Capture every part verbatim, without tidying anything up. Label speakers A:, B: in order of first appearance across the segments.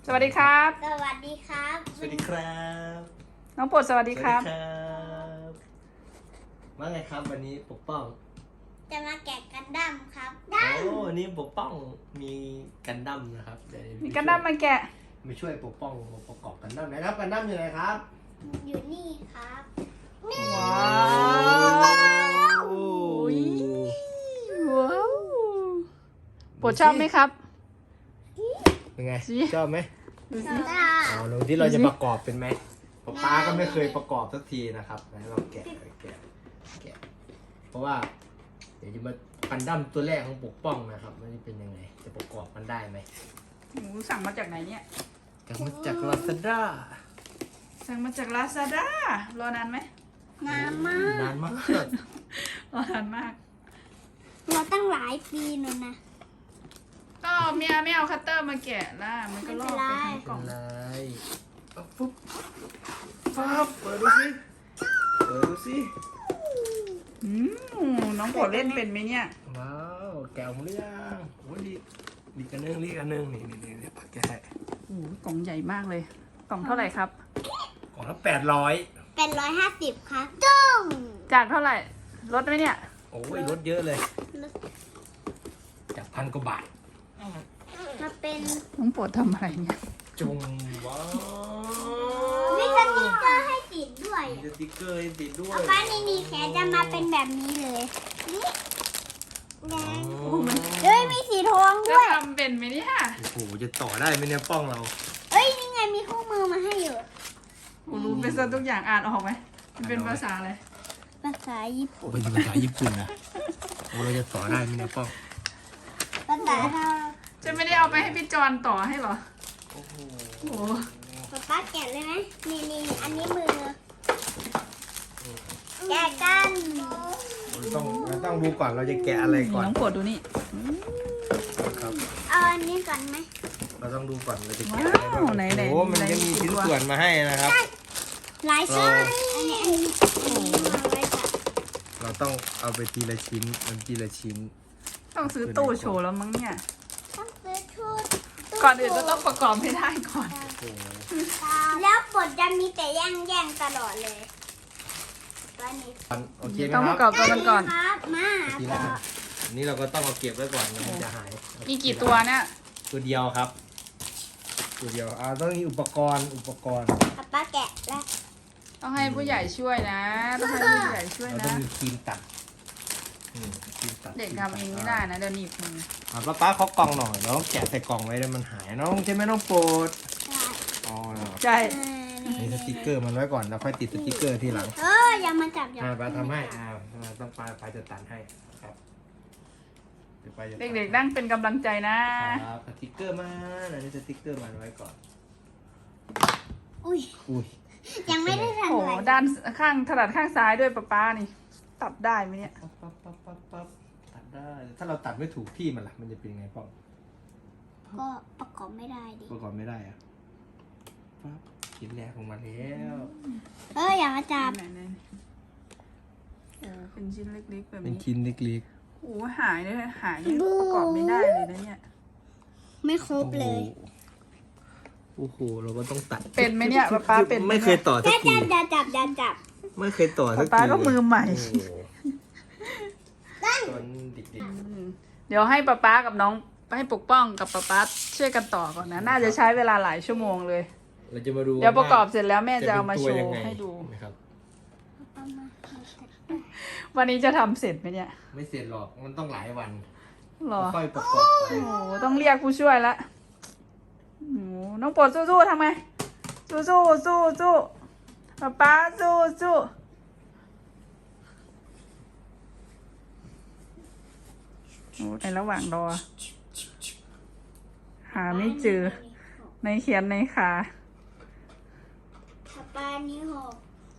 A: สวัสดีครับ
B: สวัสดีครับ
C: สวัสดีครับ
A: น้องโปรดสวัสดีครับ
C: สวัสดีครับว่าไงครับวันนี้ปกป้อง
B: จะมาแกะกันดั้มครับ
C: โอ้วันนี้ปกป้องมีกันดั้มนะครับเดี๋ยว
A: มีกันดั้มมาแกะ
C: มาช่วยปกป้องประกอบกันดั้มนะครับกันดั้มอยู่ไหนครับ
B: อยู่นี่ครับ
A: ว้าวโอ้ยว้าวโปรดชอบไหมครับ
C: เป็นไง
A: สิ
C: ชอบไหม
A: ดูสิ
B: ตา
C: อ๋อลงที่เราจะประกอบเป็นไหมป๊าป๊าก็ไม่เคยประกอบสักทีนะครับไหนเราแกะแกะแกะเพราะว่าเดี๋ยวจะมากันดั้มตัวแรกของปกป้องนะครับมันจะเป็นยังไงจะประกอบมันได้ไหม
A: หมูสั่งมาจากไหนเนี่ย
C: จากมาจากลาซาด้า
A: สั่งมาจากลาซาด้ารอนานไหม
B: น้ำมาก
C: นานมาก
A: รอนานมาก
B: เราตั้งหลายปีนู่นนะ
A: ก็เมียไม่เอาคัตเตอร์มาแกะล่ะมันก็ลอกไปทั้งกล่อง
C: อะไรเอาปุ๊บปั๊บเปิดดูสิเปิดดูสิ
A: อืมน้องโปรดเล่นเป็นไหมเนี่ย
C: ว้าวแกะออกมาหรือยังโอ้ยดีดีกันนึงดีกันนึงนี่นี่นี่นี่ปักแกะ
A: โอ้โหกล่องใหญ่มากเลย กล่องเท่าไหร่ครับ
C: กล่องละแปดร้อย
B: เป็นร้อยห้าสิบครับจุ้ง
A: จากเท่าไหร่ลดไหมเนี่ย
C: โอ้ยลดเยอะเลย จากพันกว่าบาท
B: มาเป็น
A: น้องโปรดทำอะไรเนี่ย
C: จุงว้าว
B: มีสติ๊กเกอร์ให้ติดด้วย
C: มีสติ๊กเกอร์ให้ติดด้วย
B: เอาป้านี่นี่แขนจะมาเป็นแบบนี้เลยนี่แดง
C: โอ้มัน
B: เฮ้ยมีสีทอง
A: จะ
B: ด้วย
A: ทำเป็นไหมเนี่ย
C: โอ้โหจะต่อได้ไหมเนี่ยป้องเรา
B: เอ้ยนี่ไงมีคู่มือมาให้อยู่
A: โอ้รู้เป็นซะทุกอย่างอ่านออกไหมมันเป็นภาษาอะไร
B: ภาษาญี่ปุ่น
C: เป็นภาษาญี่ปุ่นนะโอ้เราจะต่อได้ไหมเนี่ยป้อง
B: ภาษาเรา
A: จะไม่ได้เอาไปให้พี่จอนต่อให้เหรอ
C: โอ้โห
A: โอ้โห
B: ป๊าป้าแกะเลยไหมนี่นี่อันนี้มือ แกะกัน
C: เราต้องเราต้องดูก่อนเราจะแกะอะไรก่อน
A: น้องโปรดดูนี่
C: ครับ
B: เอาอันนี้ก่อนไหม
C: เราต้องดูก่อนเราจะแกะ
A: ว้า
C: อะไรบ้าง
A: วไหนไหน
C: โอ้มันจะมีชิ้นส่วนมาให้นะครับ
B: หลายชิ้น
C: เรา
B: อันนี้อันนี้อันนี้มาไว้จ้ะ
C: เราต้องเอาไปทีละชิ้นมันทีละชิ้น
A: ต้องซื้อตู้โชว์แล้วมั้งเนี่ย
B: ต้องซื้อชุด
A: ก่อนอื่นก็ต้องประกอบให้ได้ก่อน
C: โอ้โห
B: แล้วบทจะมีแต่แย่งแย่งๆตลอดเลยตัวนี้
C: โอเคไหม
A: ต้อง
C: ค
A: ป
C: รับ
A: ระกอบตัวกันก่อน
B: ครับมา
C: ทีละอันอันนี้เราก็ต้องเอาเก็บไว้ก่อนนะมันจะหาย
A: มีกี่ตัวเนี่ย
C: ตัวเดียวครับ ตัวเดียวอ่าต้องมีอุปกรณ์อุปกรณ์
B: ป๊าป้าแกะแล้ว
A: ต้องให้ผู้ใหญ่ช่วยนะ ต้องให้ผู้ใหญ่ช่วย
C: เรา
A: นะ
C: ต้องมีครีมตัดอืมครีมตัด
A: เด็กทำเองไม่ได้นะเดี๋ยวหนีบมือ
C: อ่าป้าป้าเขากล่องหน่อยเราต้องแกะใส่กล่องไว้แล้วมันหายน้องใช่ไหมน้องโปรดอ๋อ
A: ใช่
B: เออ
C: นี่สติ๊กเกอร์มันไว้ก่อนแล้วค่อยติดสติ๊กเกอร์ทีหลัง
B: เอออย่ามาจับอย่า
C: อ่า
B: มา
C: ป้าทำให้อ่าอ่าต้องป้าป้าจะตัดให้ครับเดี๋ยวป้าจะตัด
A: เด็กๆนั่งเป็นกำลังใจนะ
C: ครับสติ๊กเกอร์มาอันนี้สติ๊กเกอร์มาไว้ก่อน
B: อุ้ย
C: อุ้ย
B: ยังไม่ได้
A: โอ้
B: ทำ
A: โห
B: อะไร
A: ด้านข้างถนัดข้างซ้ายด้วยป้าป้านี่ ตัดได้ไหมเนี่ย
C: ปั๊บปั๊บปั๊บปั๊บปั๊บตัดได้ ถ้าเราตัดไม่ถูกที่มันล่ะมันจะเป็นยังไงป้อง
B: ก็ประกอบไม่ได้ดิ
C: ประกอบไม่ได้อะปั๊บชิ้นแรกของมันแล้ว
B: เอออย่ามาจับ
A: ไหนๆโอ้เป็นชิ้นเล็กๆแบบ
C: เป็น
A: นี้
C: ชิ้นเล็ก
A: โอ้หายเลยหายนี่ประกอบไม่ได้เลยนะเนี่ย
B: ไม่คร
C: ๆ
B: บเลย
C: โอ้โหเราก็ต้องตัด
A: เป็นไหมเนี่ยป้าป้าเป็นห
C: ไม่เคยต่อสั
B: อก ย่า
C: ที
B: จับอย่าจับอย่าจับ
C: ไม่เคยต่อสักที
A: ป้าก็มือใหม่
C: โอ้โหตอนเด็ก
A: อืมเดี๋ยวให้ป้าป้ากับน้องให้ปกป้องกับป้าป้าช่วยกันต่อก่อนนะ น่าจะใช้เวลาหลายชั่วโมงเลย
C: ๆเราจะมาดู
A: เดี๋ยวประกอบเสร็จแล้วแม่จะเอามา
C: ป็น
A: โช
C: ตัวยั
A: ว์
C: งไง
A: ให้ดู
C: นะครับ
A: วันนี้จะทำเสร็จไหมเนี่ย
C: ไม่เสร็จหรอกมันต้องหลายวัน
A: หรอ
C: ค่อยประกอบไป
A: โอ้โหต้องเรียกผู้ช่วยละโอ้โหน้องโปรดสู้ๆทำไงสู้สู้สู้สู้ป๊าป๊าสู้สู้โอ้ในระหว่างรอ หาไม่เจอ ในเขียนในขา
B: ปลานี้หก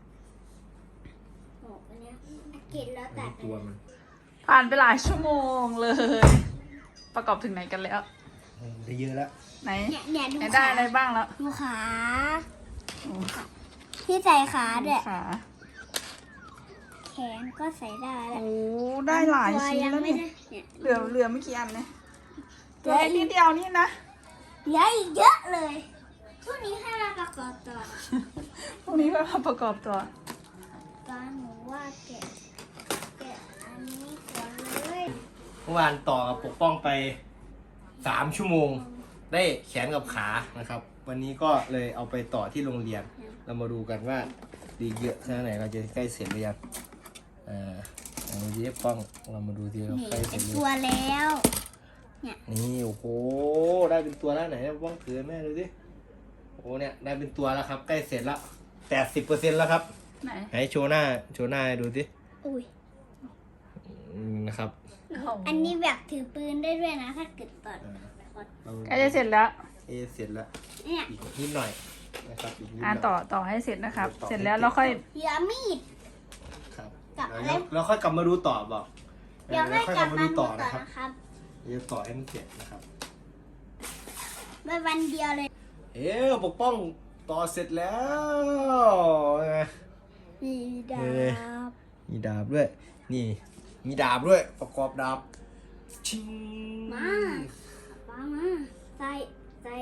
B: หกอันเนี้ยกินแล้วตัด
C: ตัวมัน
A: ผ่านไปหลายชั่วโมงเลย ประกอบถึงไหนกันแล้ว
C: ได้เยอะแล้ว
A: ไหน
B: เนี่ยเนี่ยดู
A: ไหนได้
B: ขา
A: อะไรบ้างแล้ว
B: ดูขา
A: โอ้
B: ที่ใส่ขาด้วย
A: ขา
B: แขนก็ใส่ได้แล้ว
A: โอ้ได้หลายชิ้นแล้วเนี่ย
B: เนี่ย
A: เหลือเหลือไม่กี่อันเนี่ยตัวนิดเดียวนี่นะ
B: เหลืออีกเยอะเลย
A: โ
B: พรุ่งนี้ให้เราประกอบต่อ
A: พรุ่งนี้ก็มาประกอบตัว
B: ตอนหนูว่าแกะแกะอันนี้ก่อนเลย
C: เมื่อวานต่อกับปกป้องไปสามชั่วโมง ได้แขนกับขานะครับ วันนี้ก็เลยเอาไปต่อที่โรงเรียน เรามาดูกันว่าดีเยอะแค่ไหนเราจะใกล้เสร็จหรือยังอ่าอันนี้ป้องเรามาดูทีเรา
B: นี่
C: ใกล้เส
B: เป็
C: ร็จ
B: น
C: หรือ
B: ตัว
C: ยัง
B: แล้ว
C: นี่โอ้โหได้เป็นตัวแล้วไหนป้องถือแม่ดูสิโอ้เนี่ยได้เป็นตัวแล้วครับ ใกล้เสร็จแล้วแปดสิบเปอร์เซ็นต์แล้วครับ
A: ไหน
C: ให้โชว์หน้าโชว์หน้าให้ดูสิ
B: อุ้ย
C: อืมนะครับ
B: อันนี้แบบถือปืนได้ด้วยนะถ้าเกิดตอด
C: เรา
A: ใกล้จะเสร็จแล้ว
C: เอะเสร็จแล้ว
B: เนี่ย
C: อีกนิดหน่อยนะครับอีกนิดห
A: อ่า
C: น่อย
A: ต่อต่อให้เสร็จนะครับ
C: ต่อ
A: เสร็จแล้วเราค่อย
B: เหลือมีด
C: ครับ
B: กับอะไร
C: แล้วแล้วค่อยกลับมาดูต่อบอก
B: เดี๋ยวให้
C: ค่อย
B: กลับ
C: มา
B: มา
C: ดู
B: ดู
C: ต่
B: ต่
C: อ
B: อ
C: นะ
B: นะครับ ครับ
C: เดี๋ยวต่อให้มันเสร็จนะครับ
B: ไปวันเดียวเลย
C: เอ๊ะปกป้องต่อเสร็จแล้วไง
B: มีดา
C: เออ
B: บ
C: มีดาบด้วย นี่ มีดาบด้วย ประกอบดาบชิง
B: มาป้ามาใส่ใส่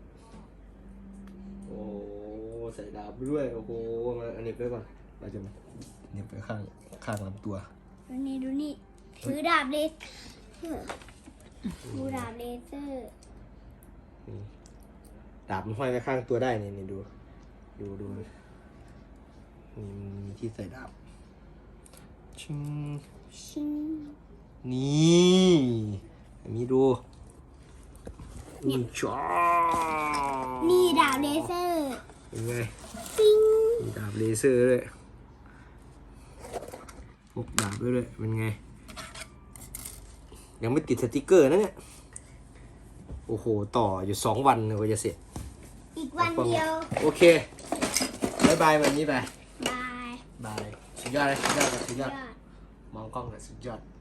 C: โอ้ใส่ดาบด้วยโอ้โหมาอันนี้ไปก่อนเราจะมาเน็บไปข้างข้างลำตัว
B: ดูนี่ดูนี่ถือดาบเลเซอร์ดูดาบเลเซอร์
C: นี่ดาบมันห้อยไว้ข้างตัวได้นี่นี่ดู ดูดูนี่มันมีที่ใส่ดาบชิง
B: ชิง
C: นี่อันนี้ดูนี่จ้า
B: นี่ดาบเลเซอร์
C: เป็นไง
B: ปิ้ง
C: มีดาบเลเซอร์ด้วยพกดาบด้วยด้วยเป็นไง ยังไม่ติดสติกเกอร์นะเนี่ย โอ้โห ต่ออยู่สองวันเลยกว่าจะเสร็จ
B: อีกวันเดียว
C: โอเคบายบายวันนี้ไป
B: บาย
C: บาย สุดยอดเลยสุดยอดเลยสุดย
B: ย
C: อด
B: อด
C: มองกล้องเลยสุดยอด